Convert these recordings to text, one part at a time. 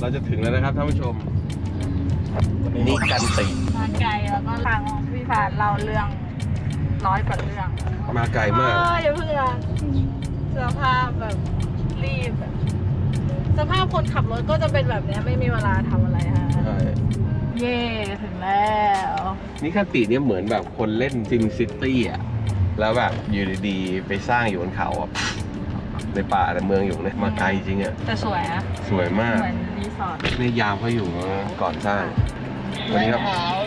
เราจะถึงแล้วนะครับท่านผู้ชมนี่กันติมาไกลแล้วก็ทางพี่ผ่านเราเรื่อง100 กว่าเรื่องมาไกลมากอย่าเพิ่งสภาพแบบรีบสภาพคนขับรถก็จะเป็นแบบนี้ไม่มีเวลาทำอะไรฮะใช่เย่ถึงแล้วนี่กันติเนี่ยเหมือนแบบคนเล่นซิมซิตี้อ่ะแล้วแบบอยู่ดีๆไปสร้างอยู่บนเขาอ่ะในป่าในเมืองอยู่เนี่ยมาไกลจริงอ่ะแต่สวยนะสวยมากเหมือนรีสอร์ทนี่ยามเขาอยู่ก่อนสร้างวันนี้ครับ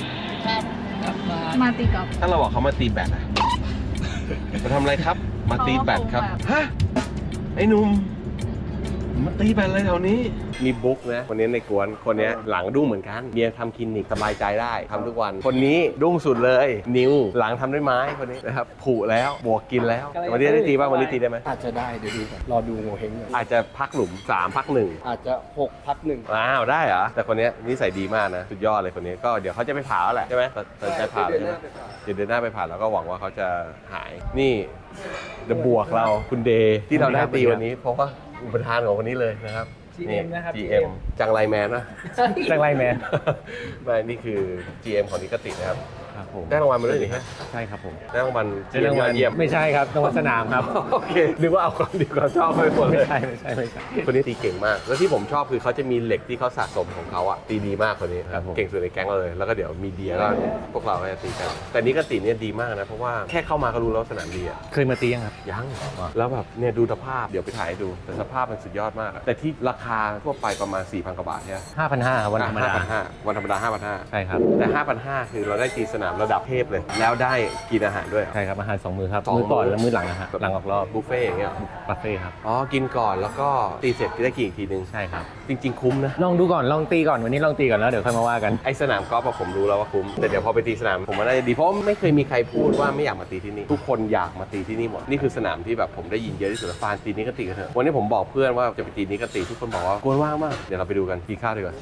มาตีกอล์ฟถ้าเราบอกเขามาตีแบดอะมาทำอะไรครับ มาตีแบดครับ ฮะ ไอ้หนุ่ม มาตีแบดอะไรแถวนี้ มีบุ๊กนะ คนนี้ในกวน คนนี้หลังดุ้งเหมือนกันเมียทำคลินิกสบายใจได้ทำทุกวัน คนนี้ดุ้งสุดเลย นิว หลังทำด้วยไม้คนนี้นะครับ ผุแล้วบวกกินแล้ว วันนี้ได้ตีป่ะวันนี้ตีได้ไหมอาจจะได้เดี๋ยวดูก่อนรอดูโงเฮงก่อนอาจจะพักหลุม3พัก1 อาจจะ6พัก1 ว้าวได้เหรอ แต่คนนี้นิสัยดีมากนะ สุดยอดเลยคนนี้ ก็เดี๋ยวเขาจะไปผ่าแล้วแหละใช่ไหมตัดใจผ่าแล้วใช่ไหมเดี๋ยวเดือนหน้าไปผ่าแล้วก็หวังว่าเขาจะหาย นี่เดอะบวกเราคุณเดย์ที่เราได้ตีวันนี้ เพราะว่าอุปทานของวันนี้เลยนะครับ GM นะครับ GM จังไรแมนนะจังไรแมนไม่นี่คือ GM ของนิกตินะครับครับผมได้รางวัลมาด้วยนี่ฮะใช่ครับผมได้รางวัลได้รางวัลเยี่ยมไม่ใช่ครับรางวัลสนามครับโอเคนึกว่าเอาความดีความชอบไปหมดเลไม่ยใช่ไม่ใช่ไม่ใช่คนนี้ตีเก่งมาก แล้วที่ผมชอบคือเขาจะมีเหล็กที่เขาสะสมของเขาอะตีดีมากคนนี้ครับผมเก่งสุดในแก๊งเราเลย แล้วก็เดี๋ยวมีเดียก็พวกเราก็จะตีกัน แต่นิกติเนี่ยดีมากนะ เพราะว่าแค่เข้ามาก็รู้แล้วสนามดีอะเคยมาตียังครับยังแล้วแบบเนี่ยดูสภาพเดี๋ยวไปถ่ายให้ดูแต่สภาพมันสุดยอดมากอะแต่ที่ราคาทั่วไปประมาณ 4,000 กว่าบาทใช่ไหม 5,500ครับวันธรรมดา 5,500วันธรรมดา 5,500 ใช่ครับแต่ 5,500 คือเราได้ตีสนามระดับเทพเลย แล้วได้กินอาหารด้วยใช่ครับอาหาร2 มื้อครับสองมื้มื้ออก่อนและมื้อหลังนะฮะหลังออกรอบบุฟเฟ่ต์อย่างเงี้ยบุฟเฟ่ต์ครับอ๋อกินก่อนแล้วก็ตีเสร็จได้กินอีกทีนึงใช่ครับจริง ๆ คุ้มนะลองดูก่อนลองตีก่อนวันนี้ลองตีก่อนแล้วเดี๋ยวค่อยมาว่ากันไอสนามกอล์ฟอะผมรู้แล้วว่าคุ้มแต่เดี๋ยวพอไปตีสนามผมว่าน่าจะดีเพราะไม่เคยมีใครพูดว่าไม่อยากมาตีที่นี่ทุกคนอยากมาตีที่นี่หมดนี่คือสนามที่แบบผมได้ยินเยอะที่สุดฟานตีนิกติกันเถอะวันนี้ผมบอกเพื่อนว่าจะไปตีนิกติทุกคนบอกว่ากวนว่างมากเดี๋ยวเราไปดูกันกินข้าวดีกว่า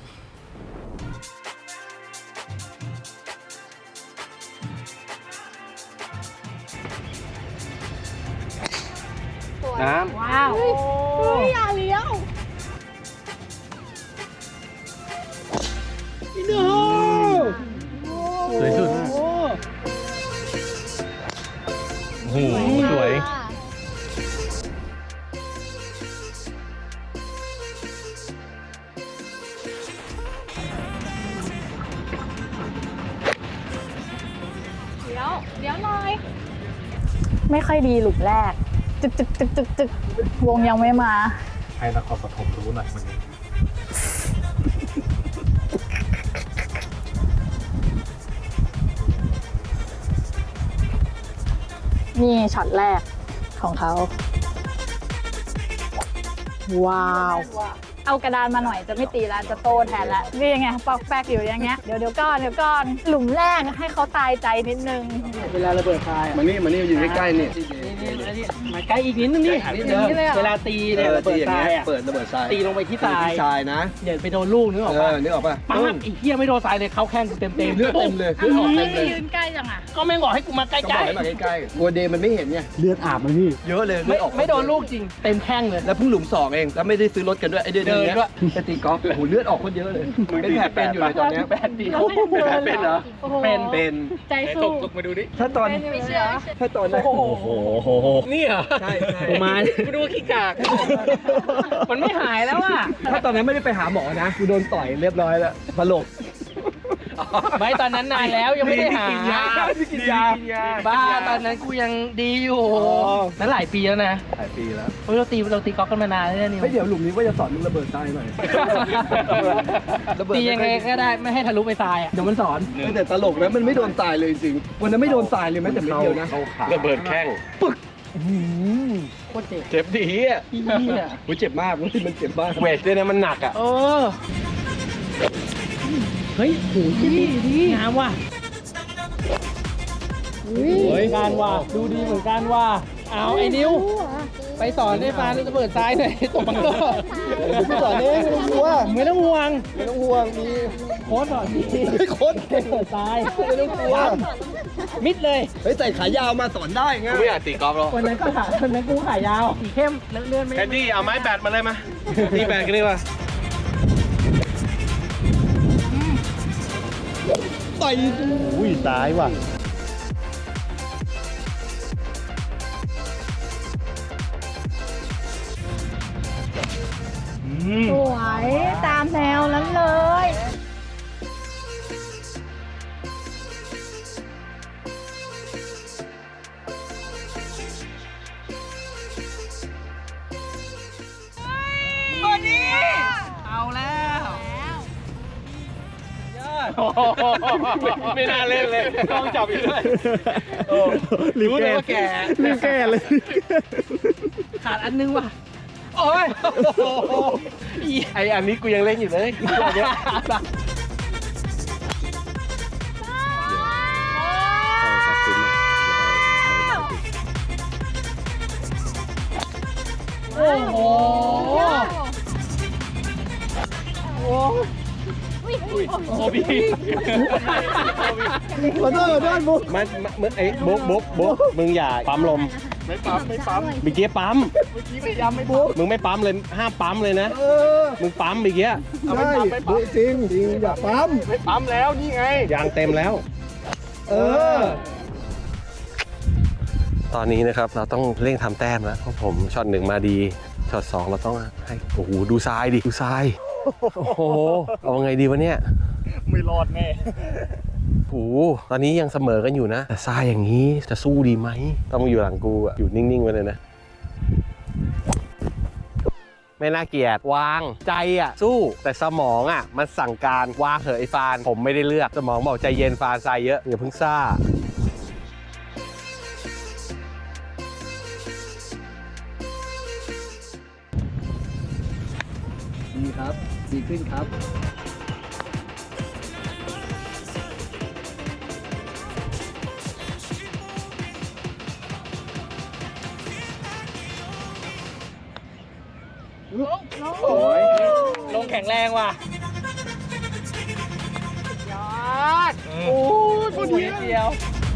น้ว้าวอย่าเลี้ยวสวยสุดโอ้โหสวยเดี๋ยวหน่อย ไม่ค่อยดีหลุมแรก จึกวงยังไม่มาให้นครปฐมรู้หน่อยวันนี้นี่ช็อตแรกของเขา ว้าว เอากระดานมาหน่อยจะไม่ตีแล้วจะโตแทนแล้วนี่ยังไงปอกแป๊กอยู่อย่างเงี้ยเดี๋ยวก่อนหลุมแรกให้เขาตายใจนิดนึงเวลาระเบิดทรายมันนี่อยู่ใกล้ๆนี่มาใกล้อีกนิดนึงนี่นิดเดียวเวลาตีเนี่ยระเบิดทรายอ่ะเปิดระเบิดทรายตีลงไปที่ทรายทรายนะเดี๋ยวไปโดนลูกนึกออกปะนึกออกป่ะปั๊บไอ้เหี้ยไม่โดนทรายเลยเข้าแข้งกูเต็มเลือดเต็มเลยเลือดออกเต็มเลยยืนใกล้จังอ่ะก็แม่งบอกให้กูมาใกก็บล้อกให้มาใกล้ๆกลัวเดย์มันไม่เห็นไงเลือดอาบมันพี่เยอะเลยๆเลือดออกไม่โดนลูกจริงเต็มแข้งเลยแล้วเพิ่งหลุม2เองแล้วไม่ได้ซื้อรถกันด้วยไอเดือนเดินนี้ด้วยไปตีกอล์ฟโอ้โหเลือดออกคนเยอะเลยเป็นแผลเป็นอยู่เลยตอนเนี้ยแปดปีเป็นเหรอ เป็นใจสู้ถ้าตอนไม่เชื่อถ้าตอนนั้นโอ้โหนี่เหรอใช่กูมากูดูขี้กากมันไม่หายแล้วอ่ะถ้าตอนนั้นไม่ได้ไปหาหมอนะกูโดนต่อยเรียบร้อยแล้วสลบไม่ตอนนั้นนานแล้วยังไม่ได้หาไม่กินยาบ้าตอนนั้นกูยังดีอยู่นั้นหลายปีแล้วนะหลายปีแล้วเฮ้ยเราตีกอล์ฟกันมานานแล้วเนี่ยนิวเฮ้ยเดี๋ยวหลุมนี้ว่าจะสอนมึงระเบิดทรายหน่อยตียังไงก็ได้ไม่ให้ทะลุไปทรายอ่ะเดี๋ยวมันสอนแต่ตลกนะมันไม่โดนทรายเลยจริงๆวันนั้นไม่โดนทรายเลยแม้แต่เม็ดเดียวนะระเบิดแข้งโคตรเจ็บเจ็บดีอ่ะเหี้ยโอ้ยเจ็บมากมันเจ็บมากเวทด้วยนะมันหนักอ่ะเออเฮ้ยโหดีงามว่ะเฮ้ยงานว่ะดูดีเหมือนกันว่ะเอาไอ้นิวไปสอนให้ฟ้าระเบิดทรายหน่อยตบบังเกอร์พี่สอนเองไม่ต้องกลัวไม่ต้องห่วงไม่ต้องห่วงมีโค้ชสอนดีโค้ชเก่งเปิดทรายไม่ต้องกลัวมิดเลยเฮ้ยใส่ขายาวมาสอนได้ไงกูไม่อยากตีกอล์ฟหรอกวันนั้นกูขายาวสีเข้มเลื่อนไม่แคนดี้เอาไม้แบดมาเลยมาตีแบดกันดีกว่าต่อยอุ้ยซ้ายว่ะสวยตามแนวนั้นเลยเอาแล้วยอดไม่น่าเล่นเลยต้องจับอยู่ด้วยรีบรู้เลแก้ยว่าแกรีบแก้เลยขาดอันนึงว่ะ โอ้ยไออันนี้กูยังเล่นอยู่เลยตัวเนี้ยโอ้โหโอบีขอโทษบุ๊กมันไอ้บุ๊กมึงอย่าปั๊มลมไม่ปั๊มไม่ปั๊มเมื่อกี้ปั๊มเมื่อกี้พยายามไม่บุ๊กมึงไม่ปั๊มเลยห้ามปั๊มเลยนะเออมึงปั๊มเมื่อกี้ใช่บุ๊กจริงอย่าปั๊มไม่ปั๊มแล้วนี่ไงยางเต็มแล้วเออตอนนี้นะครับเราต้องเร่งทำแต้มแล้วเพราะผมช็อต1มาดีช็อต2เราต้องให้โอ้โหดูทรายดิดูทรายโอ้โหเอาไงดีวะเนี่ยไม่รอดแน่โอ้โหตอนนี้ยังเสมอกันอยู่นะแต่ทรายอย่างนี้จะสู้ดีไหมต้องอยู่หลังกูอะอยู่นิ่งๆไว้เลยนะไม่น่าเกลียดวางใจอ่ะสู้แต่สมองอ่ะมันสั่งการวางเถอะไอ้ฟานผมไม่ได้เลือกสมองบอกใจเย็นฟานทรายเยอะอย่าเพิ่งซ่าดีครับ ดีขึ้นครับโอ้ยลงแข็งแรงว่ะ ยอด โอ้ยพอดีเดียว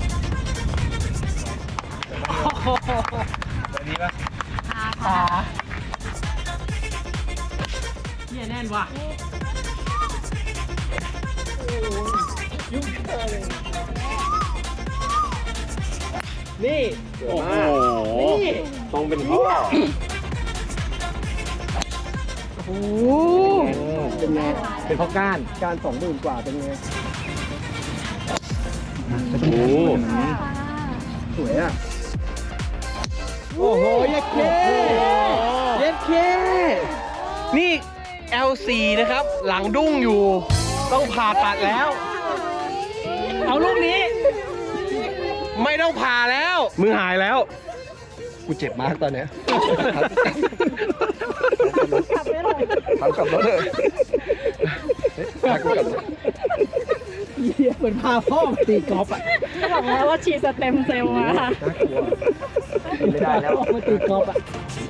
ตัวนี้ปะขาเนี่ยแน่นว่ะนี่โอ้โหนี่ต้องเป็นพ่อโอ้เป็นไงเป็นเพราะก้านการ20,000 กว่าเป็นไงโอ้โหสวยอ่ะโอ้โหเย็ดเคเย็ดเคนี่ L4 นะครับ หลังดุ้งอยู่ ต้องผ่าตัดแล้วเอาลูกนี้ไม่ต้องผ่าแล้ว มือหายแล้วกูเจ็บมากตอนเนี้ยขับไม่ลงทำกลับรถเลยพากูกลับรถเหี้ยเหมือนพาพ่อมาตีกอล์ฟอ่ะบอกแล้วว่าฉีดสเต็มเซลล์มาค่ะน่ากลัวไม่ได้แล้วมาตีกอล์ฟอ่ะ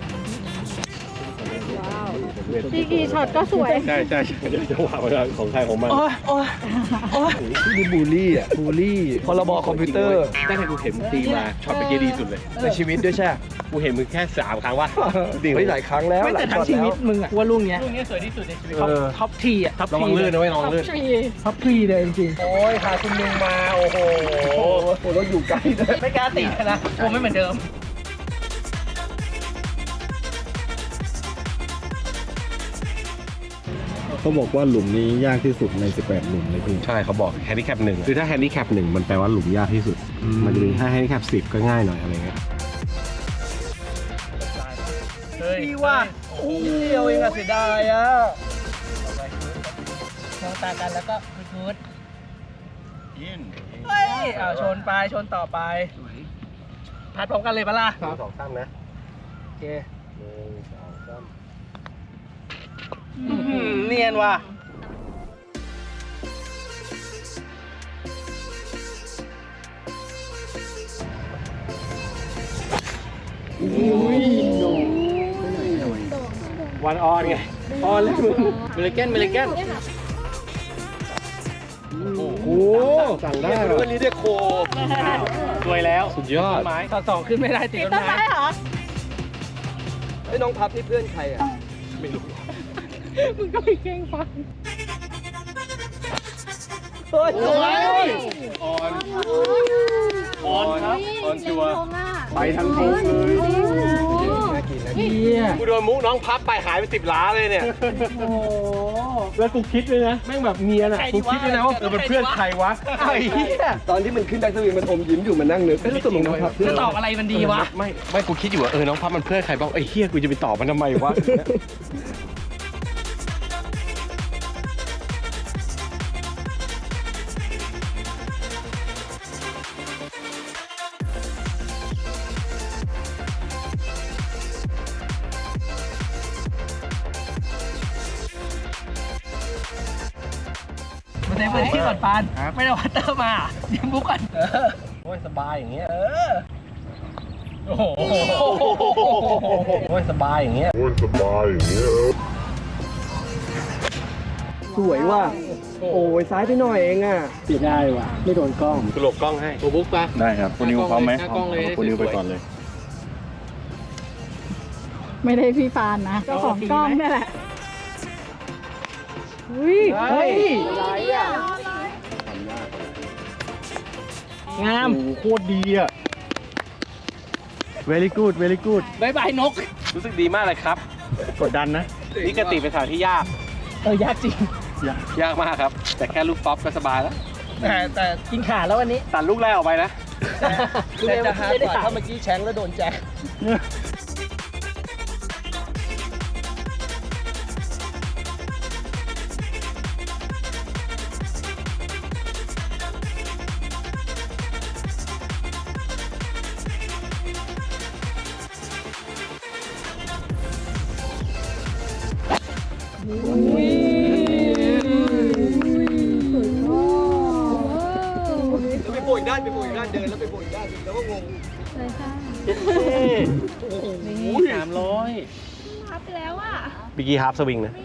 ดีกี่ช็อตก็สวยใช่ใช่เดี๋ยวจะว่าไปของใครของมันโอ้ยโอ้ยโอ้ยนี่บูลลี่อ่ะ บูลลี่พรบคอมพิวเตอร์ตั้งแต่กูเห็นมึงตีมาช็อตเมื่อกี้ดีสุดเลยในชีวิตด้วยใช่ไหมกูเห็นมึงแค่3 ครั้งว่าไม่หลายครั้งแล้วไม่แต่ทั้งชีวิตมึงอ่ะว่าลูกเนี้ยสวยที่สุดในชีวิตท็อปทีอ่ะท็อประวังลื่นนะไว้ยระวังลื่นทรีท็อปทีเลยจริงโอ้ยหาคุณมึงมา โอ้โหโอ้โหเราอยู่ใกล้ด้วยๆไม่กล้าตีนะกลัวไม่เหมือนเดิมเขาบอกว่าหลุมนี้ยากที่สุดใน 18 หลุมเลยพี่ใช่เขาบอกแฮนดิแคป1คือถ้าแฮนดิแคป1มันแปลว่าหลุมยากที่สุด มันจะมีถ้าแฮนดิแคป10ก็ง่ายหน่อยอะไรเงี้ยดีว่ะโอ้ยเดียวเองอะเสียดายอะมองตากันแล้วก็พูดเฮ้ยเอาชนไปชนต่อไปพัดพร้อมกันเลยปะล่ะ 2 3นะโอเค 1 2 3 เนียนว่ะวันออนไงออนเลยมึงเมลิแกนโอ้โหสั่งได้เหรอวันนี้เรียกโคสวยแล้วสุดยอดไม้ต่อสองขึ้นไม่ได้ติดติดต้นต้นไม้ไม้เหรอไอ้น้องพับนี่เพื่อนใครอ่ะมึงก็ไปแกล้งฟังโอ้ยสวยออนครับออนชัวร์ไปทั้งโค้งเลยกูโดนมุกน้องพับไปหายไป10 ล้านเลยเนี่ยโอ้โหแล้วกูคิดเลยนะแม่งแบบเนียนอ่ะกูคิดเลยนะว่าเป็นเพื่อนใครวะไอ้เหี้ยตอนที่มันขึ้นแบ็คสวิงมันอมยิ้มอยู่มันนั่งนึกแล้วตกลงนะครับจะตอบอะไรมันดีวะไม่กูคิดอยู่ว่าน้องพับมันเพื่อนใครบ้างไอ้เหี้ยกูจะไปตอบมันทำไมวะมาเต็มพื้นที่ก่อนปานไม่ได้วัตเตอร์มายิ้มบุ๊กก่อนโอ้ยสบายอย่างเงี้ยโอ้โหโอ้ยสบายอย่างเงี้ยสวยว่ะโอ้ยซ้ายไปหน่อยเองอ่ะปิดได้ว่ะไม่โดนกล้องกูหลบกล้องให้โอ้บุ๊กปะได้ครับคุณนิวพร้อมไหมหน้ากล้องเลยคุณนิวไปก่อนเลยไม่ได้พี่ฟานนะเจ้าของกล้องนี่แหละอุ้ยเฮ้ยงามโคตรดีอ่ะ very good very good บายบายนกรู้สึกดีมากเลยครับกดดันนะนี่กติเป็นสถานที่ยากยากจริงยากมากครับ แต่แค่ลูกป๊อปก็สบายแล้วแต่กินขาแล้ววันนี้ตัดลูกแรกออกไปนะแต่จะหากว่าถ้าเมื่อกี้แชงแล้วโดนแจ็ค แล้วไปโบยด้านเดินแล้วไปโบยด้านแล้วก็งงบิกกี้ฮาร์ปสวิงนะ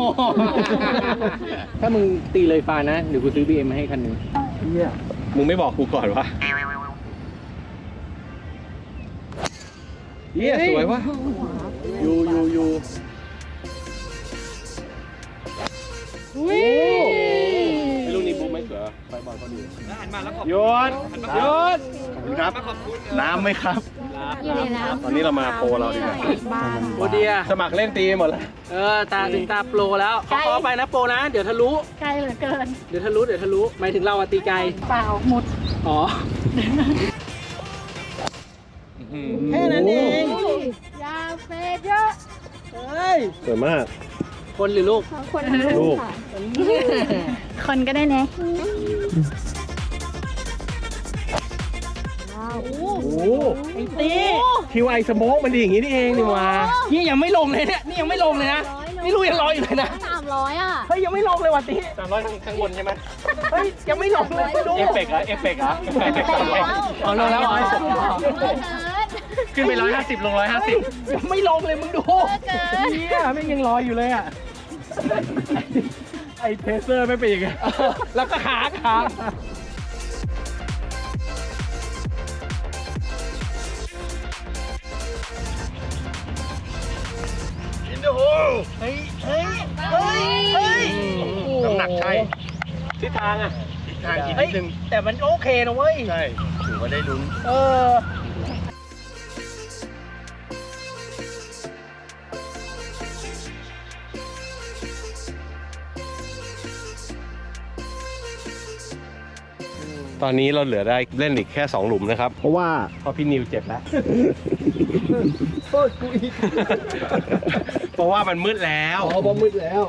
ถ้ามึงตีเลยฟ้านะ เดี๋ยวกูซื้อ BM มาให้คันหนึงมึงไม่บอกกูก่อนวะเฮียสวยวะยูลูกนี้บุ๊กไม่สวยไฟบอลเขาดีหันมาแล้วขอบยศครับ น้ำไหมครับตอนนี้เรามาโปรเราดีกว่าโอเดียสมัครเล่นตีหมดแล้วตาถึงตาโปรแล้วขอไปนะโปรนะ เดี๋ยวทะลุใกล้เหลือเกินเดี๋ยวทะลุหมายถึงเราอะตีไกลเปล่าหมดอ๋อ แค่นั้นเองยาเฟดเยอะเฮ้ยสวยมากคนหรือลูกคนลูกคนก็ได้เนะโอ้ไอ้ตีคิวไอสโมกมันดีอย่างงี้นี่เองนี่วะนี่ยังไม่ลงเลยเนี่ย นี่ยังไม่ลงเลยนะ นี่ลูกยังรออยู่เลยนะ 300อ่ะเฮ้ยยังไม่ลงเลยว่ะตี 300ข้างบนใช่ไหมเฮ้ยยังไม่ลงเลยดูเอฟเฟกต์เหรอเอฟเฟกต์เหรออ๋อลงแล้วขึ้นไป150ลง150 ยังไม่ลงเลยมึงดูเนี่ยไม่ยังรออยู่เลยอ่ะไอเพเซอร์ไม่เป็นยังไงแล้วก็ขาน้ำหนักใช่ทิศทางอ่ะทิศทางอีกนิดนึงแต่มันโอเคนะเว้ยใช่ถือว่าได้ลุ้นเออตอนนี้เราเหลือได้เล่นอีกแค่2หลุมนะครับเพราะว่าเพราะพี่นิวเจ็บแล้วโทษกูอีกเพราะว่ามันมืดแล้วอ๋อพอมืดแล้ว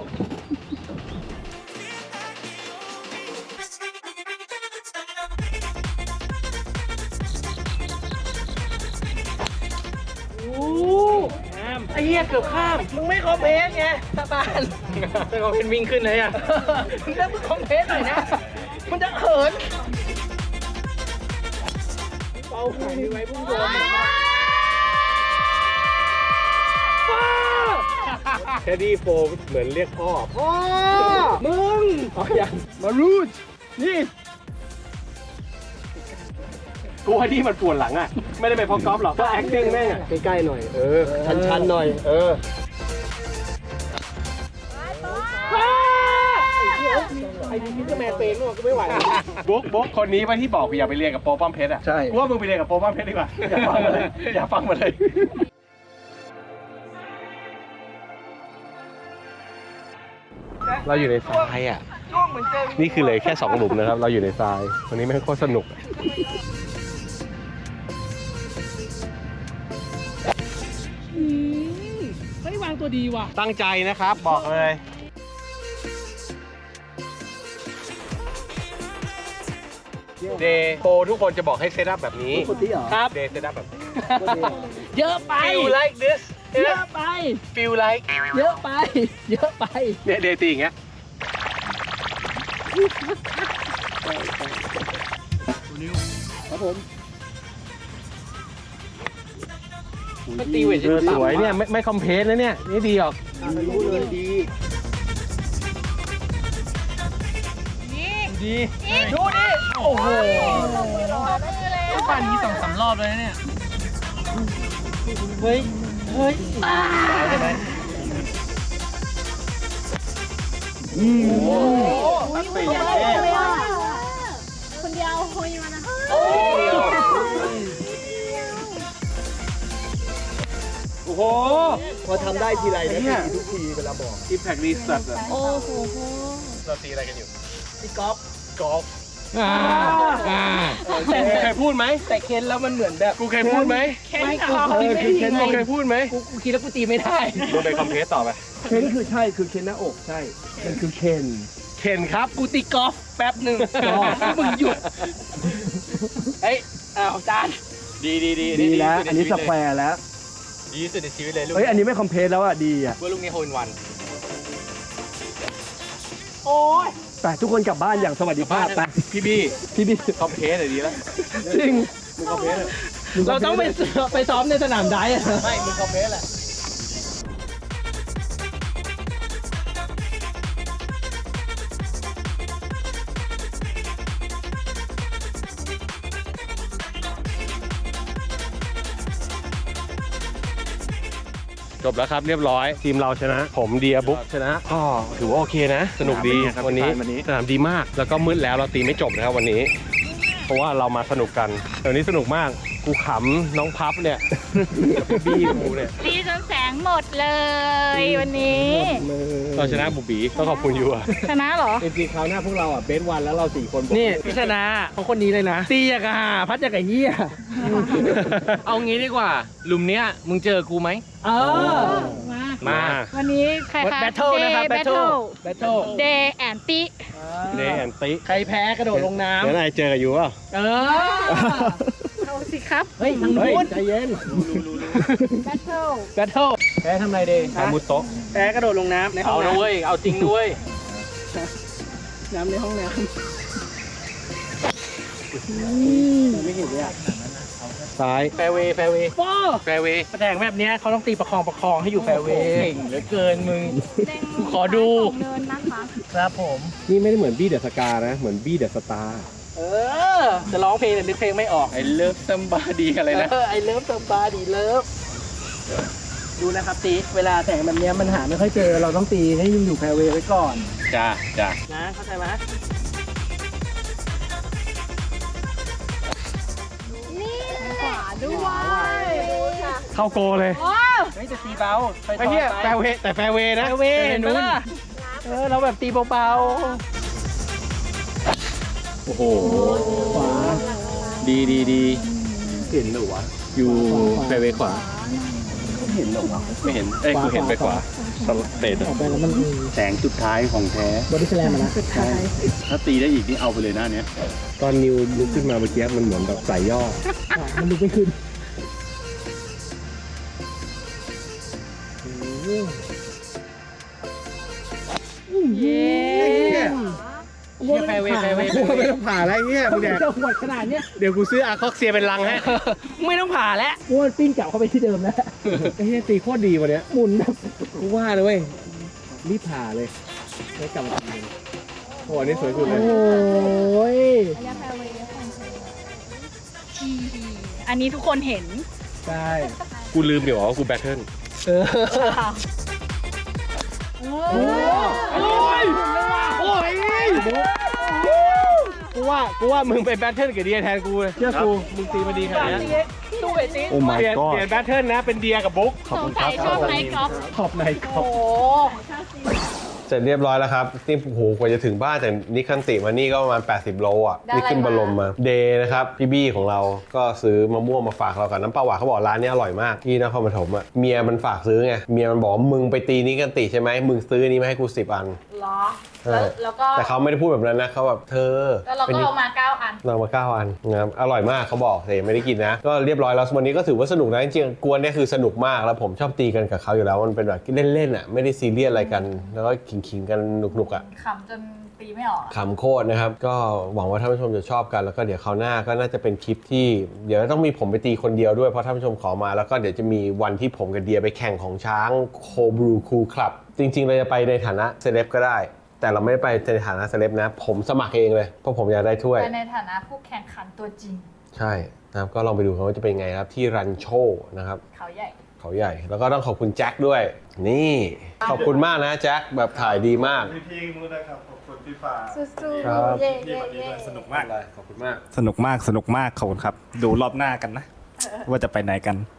ไอ้เหี้ยเกือบข้าม มึงไม่คอมเพลสไงสะบานเป็นเขาเป็นวิ่งขึ้นเลยอ่ะมึงจะมึงคอมเพลสหน่อยนะ มันจะเขินเป่าไข่ไว้พุ่งโดนแคดดี้โฟเหมือนเรียกพ่อพ่อมึงอ๋อยังมารูดนี่กูว่าที่มันปวดหลังอ่ะ ไม่ได้ไปเพราะกอล์ฟหรอกก็ acting แม่งอ่ะใกล้ๆหน่อย ชันๆหน่อยไอ้รดูมิสเตอร์แมนเป็นก็ไม่ไหวบุ๊กคนนี้ป่ะที่บอกอยากไปเรียนกับโปป้อมเพชรอ่ะใช่กูว่ามึงไปเรียนกับโปป้อมเพชรดีกว่าอย่าฟังมาเลยอย่าฟังมาเลยเราอยู่ในทรายอ่ะนี่คือเหลยแค่2หลุมนะครับเราอยู่ในทรายวันนี้แม่งโคตรสนุกไม่วางตัวดีว่ะตั้งใจนะครับบอกเลยเดย์โปรทุกคนจะบอกให้เซตอัพแบบนี้คนที่เหรอครับเดย์เซตอัพแบบนี้เยอะไป feel like this เยอะไป feel like เยอะไป เยอะไปเนี่ยเดย์ตีอย่างเงี้ยครับผมมันตีเวทสวยเนี่ยไม่คอมเพลสนะเนี่ยนี่ดีออกรู้เลยดีดี ดูดิ โอ้โหปั่นนี้2-3 รอบเลยเนี่ย เฮ้ย เฮ้ยใช่ไหมคนเดียวคุยมานะโอ้โหพอทำได้ทีไรนะพี่ทุกทีเวลาบอกอิมแพครีสัตว์โอ้โหเราตีอะไรกันอยู่ตีกอล์ฟกอล์ฟแต่กูเคยพูดไหมแต่เค้นแล้วมันเหมือนแบบกูเคยพูดไหมไม่กูตีไม่เคนได้กูเคยพูดไหมกูคิดแล้วกูตีไม่ได้มึงไปคอมเพลสต่อไปเคนคือใช่คือเคนหน้าอกใช่มันคือเคนเคนครับกูตีกอล์ฟแป๊บหนึ่งมึงหยุด เฮ้ยอ้าวจานดีดีแล้วอันนี้สแควร์แล้วดีสุดในชีวิตเลยลูกเฮ้ยอันนี้ไม่คอมเพลสแล้วอ่ะดีอ่ะว่าลูกนี้โฮนวันโอ้ยไปทุกคนกลับบ้านอย่างสวัสดิภาพไปพี่บี้พี่บิ๊กคอมเพลสเลยดีแล้วจริงมึงคอมเพลสเลยเราต้องไปซ้อมในสนามไดฟ์อะไม่มึงคอมเพลสแหละ จบแล้วครับเรียบร้อยทีมเราชนะ ผมเดียบุ๊กชนะก็ถือว่าโอเคนะ สนุกดีวันนี้สนามดีมากแล้วก็มืดแล้วเราตีไม่จบนะครับวันนี้ เพราะว่าเรามาสนุกกันแต่วันนี้สนุกมากกูขำน้องพับเนี่ย บี้กูเนี่ยตีจนแสงหมดเลยวันนี้เราชนะบุบีต้องขอบคุณยูอะชนะเหรอจริงๆคราวหน้าพวกเราอ่ะเบสวันแล้วเรา4คนนี่พิชนะของคนนี้เลยนะตีอย่างกับหาพัดอย่างกับเหี้ยเอางี้ดีกว่า หลุมเนี้ยมึงเจอกูไหมเออมาวันนี้ใครคะแบทเทิลนะครับแบทเทิลแบทเทิลเดย์แอนตี้เนแอนติใครแพ้กระโดดลงน้เดี๋ยวนายเจอกับยูอ่ะำเออเอาสิครับเฮ้ยทางเฮ้ยนู้นใจเย็นแบทเทิลแบทเทิลแพ้ทำไรเดย์อามุโตะแพ้กระโดดลงน้ำในห้เอาองนะน้ำเว้ย เอาจริงด้วยน้ำในห้องน้ซ้ายแฟร์เวย์ แฟร์เวย์ำว้าแฟร์เวย์แสดงแบบเนี้ยเขาต้องตีประคองให้อยู่แฟร์เวย์เก่งเหลือเกินมึงกูขอดูเดินนะคะครับผมนี่ไม่ได้เหมือนบี้เดอะสกานะ เหมือนบี้เดอะสตาร์เออ จะร้องเพลงแต่นึกเพลงไม่ออกไอ้เลิฟซัมบาดีอะไรนะไอเลิฟสบาดีเลิฟดูนะครับตีเวลาแต่งแบบเนี้ยมันหาไม่ค่อยเจอเราต้องตีให้ยังอยู่แฟร์เวย์ไว้ก่อนจ้า จ้านะเข้าใจไหมนี่ขวาด้วยเข้าโกเลยเฮ้ยจะตีเบาไปไอ้เนี่ยแฟร์เวย์แต่แฟร์เวย์นะแฟร์เวย์นู้นนู้นเราแบบตีเบาโอ้โหๆขวาดีเห็นหรือวะอยู่แฟร์เวย์ขวาเห็นหรอวะไม่เห็น เอ้ยกูเห็นไปขวาสลับเตะออกไปแล้วมันแสงสุดท้ายของแท้บอดี้สแลมนะถ้าตีได้อีกนี่เอาไปเลยหน้าเนี้ยตอนนิวลุกขึ้นมาเมื่อกี้มันเหมือนแบบใส่ย่อมันลุกไม่ขึ้นเย้เชียร์แฟร์เวย์แฟร์เวย์กูไม่ต้องผ่าอะไรเงี้ยมึงเนี่ยจะหวดขนาดเนี้ยเดี๋ยวกูซื้ออาร์คอกเซียเป็นลังฮะไม่ต้องผ่าแล้วอ้วนปิ้งกลับเข้าไปที่เดิมแล้วไอ้เหี้ยตีโคตรดีวันเนี้ยหมุนแบบกูว่าเลยเว้ยรีบผ่าเลยแล้วกลับมาทำเลยโอ้โหอันนี้สวยสุดเลยโอ้ยอันนี้ทุกคนเห็นใช่กูลืมเดี๋ยวว่ากูแบทเทิลเออโอ้ยโอ้ยโอ้ยบุ๊กกูว่ามึงไปแบทเทิลกับเดียแทนกูเลยเชื่อกูมึงตีมาดีขนาดนี้ตู้ไอติโอ้ my เปลี่ยน god แบทเทิลนะเป็นเดียกับบุ๊กสงสัยชอบไนท์กอล์ฟขอบในขอบโอ้โหเสร็จเรียบร้อยแล้วครับนี่โอ้โหกว่าจะถึงบ้านจากนิคันติมานี่ก็ประมาณ80 โลอ่ะนี่ขึ้นบรมมาเดย์นะครับพี่บี้ของเราก็ซื้อมะม่วงมาฝากเรากับน้ำปลาหวานเขาบอกร้านนี้อร่อยมากที่นครปฐมอ่ะเมียมันฝากซื้อไงเมียมันบอกมึงไปตีนิคันติใช่ไหมมึงซื้อนี้มาให้กู10 อันเหรอใช่แล้วก็แต่เขาไม่ได้พูดแบบนั้นนะเขาแบบเธอแล้วเราก็เอามา9 อันเรามา9 อันนะครับอร่อยมากเขาบอกแต่ยังไม่ได้กินนะก็เรียบร้อยแล้ววันนี้ก็ถือว่าสนุกนะจริงๆกวนเนี่ยคือสนุกมากแล้วผมชอบตีกันกับเขาอยู่แล้วมันเป็นแบบเล่นๆอ่ะไม่ได้ซีเรียสอะไรกันแล้วก็ขิงๆกันหนุกๆอ่ะขำจนตีไม่ออกขำโคตรนะครับก็หวังว่าท่านผู้ชมจะชอบกันแล้วก็เดี๋ยวคราวหน้าก็น่าจะเป็นคลิปที่เดี๋ยวต้องมีผมไปตีคนเดียวด้วยเพราะท่านผู้ชมขอมาแล้วก็เดี๋ยวจะมีวันที่ผมกับเดียไปแข่งของช้างโคบรูคูลคลับจริงๆเราจะไปในฐานะเซเลบก็ได้แต่เราไม่ได้ไปในฐานะเซเลบนะผมสมัครเองเลยเพราะผมอยากได้ถ้วยแต่ในฐานะผู้แข่งขันตัวจริงใช่นะครับก็ลองไปดูกันว่าจะเป็นไงครับที่รันโชนะครับเขาใหญ่เขาใหญ่แล้วก็ต้องขอบคุณแจ็คด้วยนี่ขอบคุณมากนะแจ็คแบบถ่ายดีมากพี่ๆมุ้นะครับขอบคุณพี่ฟ้าสู้ครับๆเย่เย่เย่สนุกมากขอบคุณมากสนุกมากขอบคุณครับ ดูรอบหน้ากันนะ ว่าจะไปไหนกัน